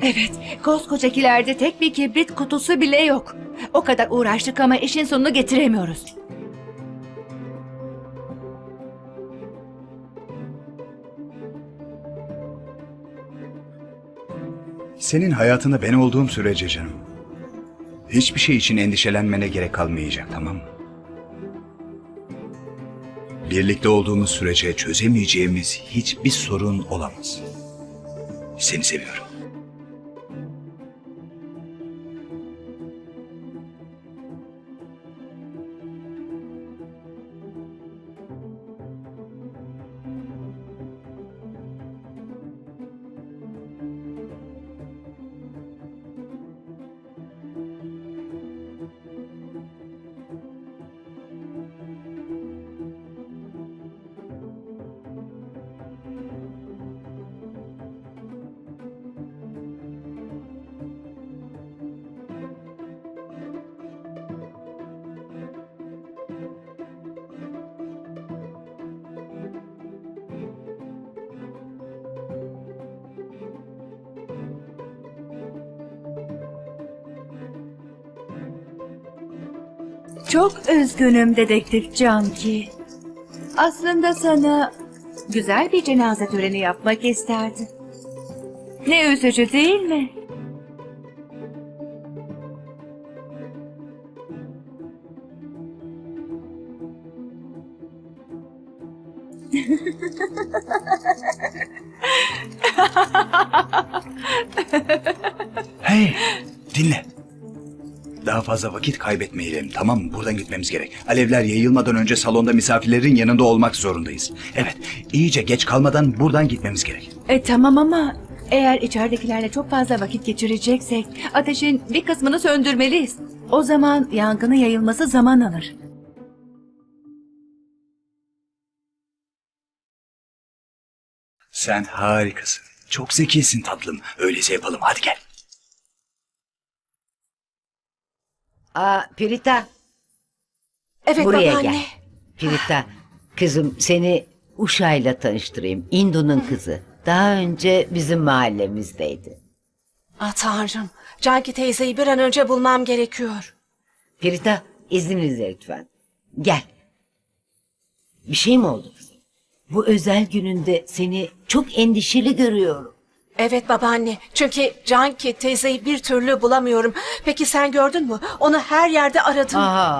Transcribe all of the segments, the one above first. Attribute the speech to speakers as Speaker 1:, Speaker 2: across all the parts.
Speaker 1: Evet, koskocakilerde tek bir kibrit kutusu bile yok. O kadar uğraştık ama işin sonunu getiremiyoruz.
Speaker 2: Senin hayatında ben olduğum sürece canım, hiçbir şey için endişelenmene gerek kalmayacak, tamam mı? Birlikte olduğumuz sürece çözemeyeceğimiz hiçbir sorun olamaz. Seni seviyorum.
Speaker 1: Çok üzgünüm dedektif Canki. Aslında sana güzel bir cenaze töreni yapmak isterdim. Ne üzücü değil mi?
Speaker 2: Hey, dinle. Daha fazla vakit kaybetmeyelim, tamam mı? Buradan gitmemiz gerek. Alevler yayılmadan önce salonda misafirlerin yanında olmak zorundayız. Evet, iyice geç kalmadan buradan gitmemiz gerek.
Speaker 1: Tamam ama eğer içeridekilerle çok fazla vakit geçireceksek ateşin bir kısmını söndürmeliyiz. O zaman yangının yayılması zaman alır.
Speaker 2: Sen harikasın. Çok zekisin tatlım. Öyleyse yapalım. Hadi gel.
Speaker 3: Pirita,
Speaker 4: Evet
Speaker 3: buraya
Speaker 4: babaanne.
Speaker 3: gel. Pirita, kızım seni Uşa'yla tanıştırayım. Indu'nun kızı. Daha önce bizim mahallemizdeydi.
Speaker 4: Tanrım. Canki teyzeyi bir an önce bulmam gerekiyor.
Speaker 3: Pirita, izninizle lütfen. Gel. Bir şey mi oldu kızım? Bu özel gününde seni çok endişeli görüyorum.
Speaker 4: Evet babaanne. Çünkü Canki teyzeyi bir türlü bulamıyorum. Peki sen gördün mü? Onu her yerde aradım.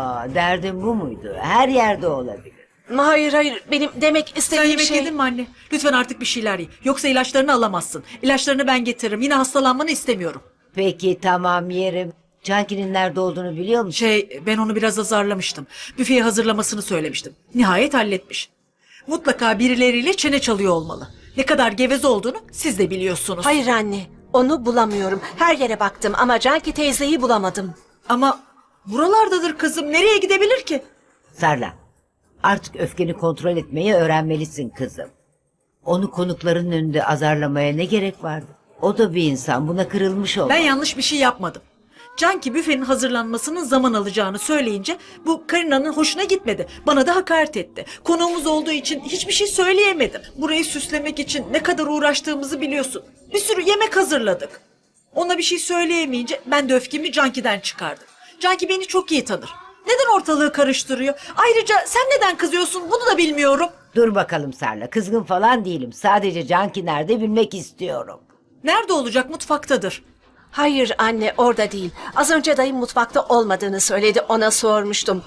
Speaker 3: Derdin bu muydu? Her yerde olabilir.
Speaker 4: Hayır. Benim demek
Speaker 5: Sen
Speaker 4: istediğim
Speaker 5: yemek
Speaker 4: şey...
Speaker 5: yedin mi anne? Lütfen artık bir şeyler ye. Yoksa ilaçlarını alamazsın. İlaçlarını ben getiririm. Yine hastalanmanı istemiyorum.
Speaker 3: Peki tamam yerim. Canki'nin nerede olduğunu biliyor musun?
Speaker 5: Ben onu biraz azarlamıştım. Büfeyi hazırlamasını söylemiştim. Nihayet halletmiş. Mutlaka birileriyle çene çalıyor olmalı. Ne kadar geveze olduğunu siz de biliyorsunuz.
Speaker 4: Hayır anne. Onu bulamıyorum. Her yere baktım ama Canki teyzeyi bulamadım.
Speaker 5: Ama buralardadır kızım. Nereye gidebilir ki?
Speaker 3: Sarla, artık öfkeni kontrol etmeyi öğrenmelisin kızım. Onu konukların önünde azarlamaya ne gerek vardı? O da bir insan, buna kırılmış olmalı.
Speaker 5: Ben yanlış bir şey yapmadım. Canki büfenin hazırlanmasının zaman alacağını söyleyince bu Karina'nın hoşuna gitmedi. Bana da hakaret etti. Konuğumuz olduğu için hiçbir şey söyleyemedim. Burayı süslemek için ne kadar uğraştığımızı biliyorsun. Bir sürü yemek hazırladık. Ona bir şey söyleyemeyince ben de öfkemi Canki'den çıkardım. Canki beni çok iyi tanır. Neden ortalığı karıştırıyor? Ayrıca sen neden kızıyorsun bunu da bilmiyorum.
Speaker 3: Dur bakalım Sarla, kızgın falan değilim. Sadece Canki nerede bilmek istiyorum.
Speaker 5: Nerede olacak? Mutfaktadır.
Speaker 4: Hayır anne orada değil. Az önce dayım mutfakta olmadığını söyledi. Ona sormuştum.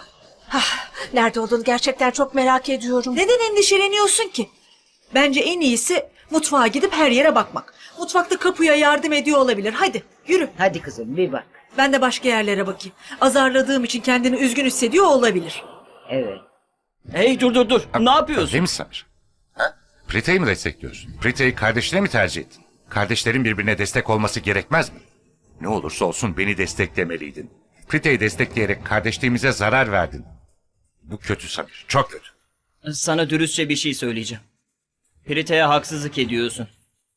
Speaker 4: Nerede olduğunu gerçekten çok merak ediyorum.
Speaker 5: Neden endişeleniyorsun ki? Bence en iyisi mutfağa gidip her yere bakmak. Mutfakta kapıya yardım ediyor olabilir. Hadi yürü.
Speaker 3: Hadi kızım bir bak.
Speaker 5: Ben de başka yerlere bakayım. Azarladığım için kendini üzgün hissediyor olabilir.
Speaker 3: Evet.
Speaker 6: Hey dur. Ne yapıyorsun?
Speaker 7: Değil mi Samir? Prita'yı mı destekliyorsun? Prita'yı kardeşine mi tercih ettin? Kardeşlerin birbirine destek olması gerekmez mi? Ne olursa olsun beni desteklemeliydin. Prita'yı destekleyerek kardeşliğimize zarar verdin. Bu kötü Samir, çok kötü.
Speaker 6: Sana dürüstçe bir şey söyleyeceğim. Prita'ya haksızlık ediyorsun.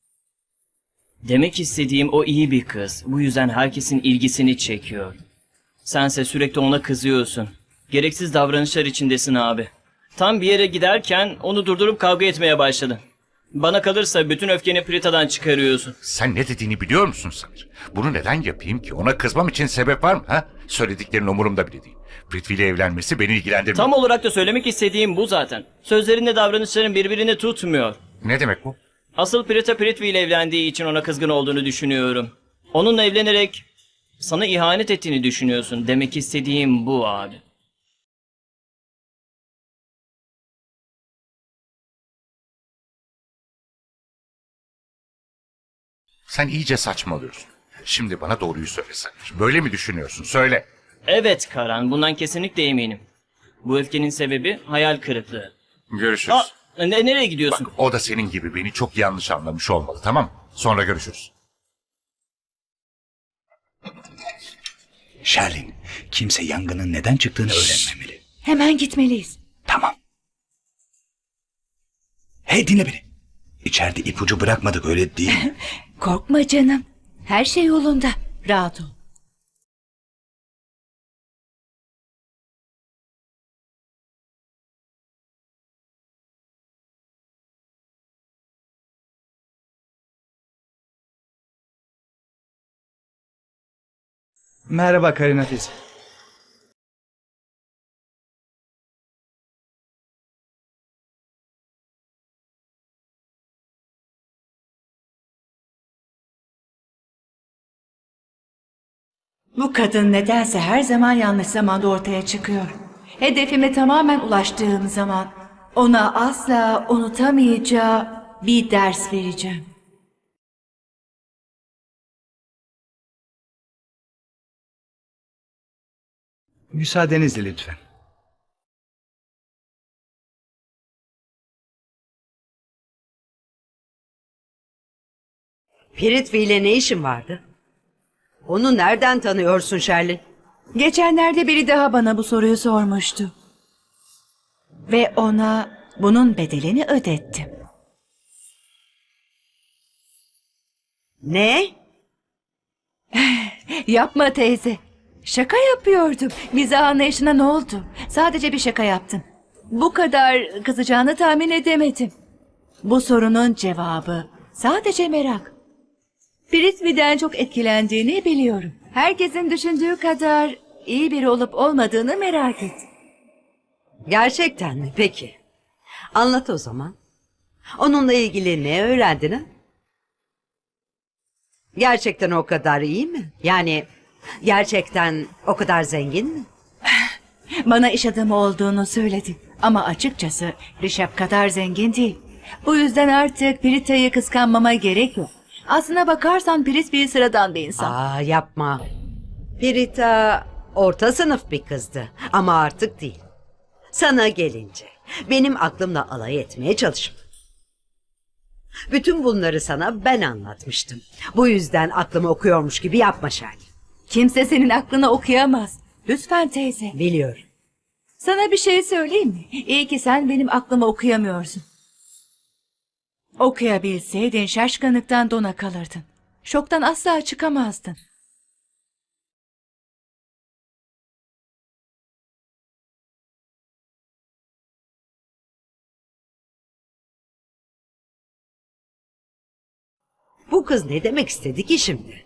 Speaker 6: Demek istediğim o iyi bir kız. Bu yüzden herkesin ilgisini çekiyor. Sense sürekli ona kızıyorsun. Gereksiz davranışlar içindesin abi. Tam bir yere giderken onu durdurup kavga etmeye başladın. Bana kalırsa bütün öfkeni Prita'dan çıkarıyorsun.
Speaker 7: Sen ne dediğini biliyor musun Samir? Bunu neden yapayım ki? Ona kızmam için sebep var mı? Ha? Söylediklerin umurumda bile değil. Prithvi ile evlenmesi beni ilgilendirmiyor.
Speaker 6: Tam olarak da söylemek istediğim bu zaten. Sözlerinle davranışların birbirini tutmuyor.
Speaker 7: Ne demek bu?
Speaker 6: Asıl Prita Prithvi ile evlendiği için ona kızgın olduğunu düşünüyorum. Onunla evlenerek sana ihanet ettiğini düşünüyorsun. Demek istediğim bu abi.
Speaker 7: Sen iyice saçmalıyorsun. Şimdi bana doğruyu söyle Samir. Böyle mi düşünüyorsun? Söyle.
Speaker 6: Evet Karan, bundan kesinlikle eminim. Bu öfkenin sebebi hayal kırıklığı.
Speaker 7: Görüşürüz.
Speaker 6: Nereye gidiyorsun?
Speaker 7: Bak, o da senin gibi beni çok yanlış anlamış olmalı, tamam mı? Sonra görüşürüz.
Speaker 2: Sherlin, kimse yangının neden çıktığını öğrenmemeli.
Speaker 1: Hemen gitmeliyiz.
Speaker 2: Tamam. Hey, dinle beni. İçeride ipucu bırakmadık, öyle değil mi?
Speaker 1: Korkma canım. Her şey yolunda. Rahat ol.
Speaker 2: Merhaba Karina teyze.
Speaker 1: Bu kadın nedense her zaman yanlış zamanda ortaya çıkıyor. Hedefime tamamen ulaştığım zaman ona asla unutamayacağı bir ders vereceğim.
Speaker 2: Müsaadenizle lütfen.
Speaker 8: Prithvi ile ne işin vardı? Onu nereden tanıyorsun Sherlin?
Speaker 1: Geçenlerde biri daha bana bu soruyu sormuştu. Ve ona bunun bedelini ödettim.
Speaker 8: Ne?
Speaker 1: Yapma teyze. Şaka yapıyordum. Mizah anlayışına ne oldu? Sadece bir şaka yaptım. Bu kadar kızacağını tahmin edemedim. Bu sorunun cevabı sadece merak. Prithvi'den çok etkilendiğini biliyorum. Herkesin düşündüğü kadar iyi biri olup olmadığını merak et.
Speaker 8: Gerçekten mi? Peki. Anlat o zaman. Onunla ilgili ne öğrendin ha? Gerçekten o kadar iyi mi? Yani gerçekten o kadar zengin mi?
Speaker 1: Bana iş adamı olduğunu söyledi. Ama açıkçası Rişap kadar zengin değil. Bu yüzden artık Prita'yı kıskanmama gerek yok. Aslına bakarsan Prithvi sıradan bir insan.
Speaker 8: Aa, yapma. Prita orta sınıf bir kızdı ama artık değil. Sana gelince benim aklımla alay etmeye çalışma. Bütün bunları sana ben anlatmıştım. Bu yüzden aklımı okuyormuş gibi yapma Sherlin.
Speaker 1: Kimse senin aklını okuyamaz. Lütfen teyze.
Speaker 8: Biliyorum.
Speaker 1: Sana bir şey söyleyeyim mi? İyi ki sen benim aklımı okuyamıyorsun. Okuyabilseydin şaşkınlıktan dona kalırdın. Şoktan asla çıkamazdın.
Speaker 8: Bu kız ne demek istedi ki şimdi?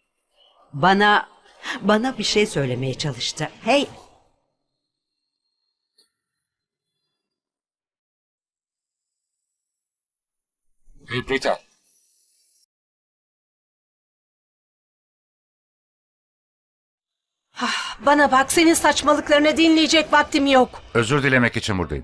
Speaker 8: Bana bir şey söylemeye çalıştı. Hey!
Speaker 7: Hey Prita.
Speaker 4: Bana bak, senin saçmalıklarını dinleyecek vaktim yok.
Speaker 7: Özür dilemek için buradayım.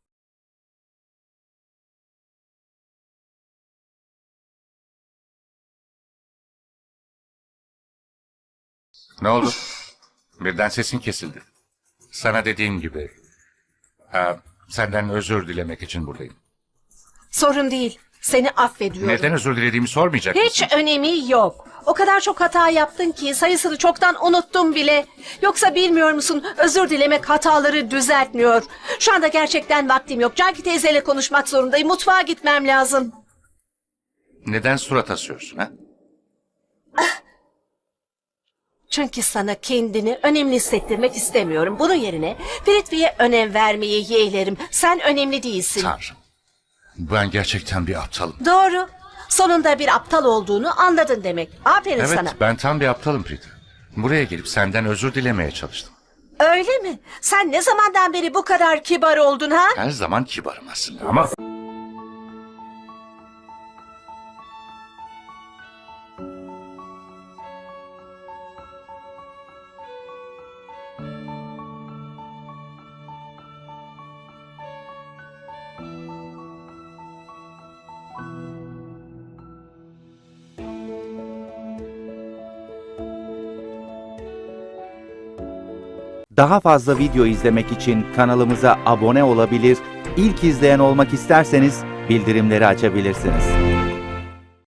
Speaker 7: Ne oldu? Birden sesin kesildi. Sana dediğim gibi... senden özür dilemek için buradayım.
Speaker 4: Sorun değil. Seni affediyorum.
Speaker 7: Neden özür dilediğimi sormayacak
Speaker 4: Hiç
Speaker 7: mısın?
Speaker 4: önemi yok. O kadar çok hata yaptın ki sayısını çoktan unuttum bile. Yoksa bilmiyor musun, özür dilemek hataları düzeltmiyor. Şu anda gerçekten vaktim yok. Canki teyzeyle konuşmak zorundayım. Mutfağa gitmem lazım.
Speaker 7: Neden surat asıyorsun ha?
Speaker 4: Çünkü sana kendini önemli hissettirmek istemiyorum. Bunun yerine Prithvi'ye önem vermeyi yeğlerim. Sen önemli değilsin.
Speaker 7: Tanrım. Ben gerçekten bir aptalım.
Speaker 4: Doğru. Sonunda bir aptal olduğunu anladın demek. Aferin
Speaker 7: Evet,
Speaker 4: sana.
Speaker 7: ben tam bir aptalım Prita. Buraya gelip senden özür dilemeye çalıştım.
Speaker 4: Öyle mi? Sen ne zamandan beri bu kadar kibar oldun ha?
Speaker 7: Her zaman kibarım aslında ama...
Speaker 9: Daha fazla video izlemek için kanalımıza abone olabilir, ilk izleyen olmak isterseniz bildirimleri açabilirsiniz.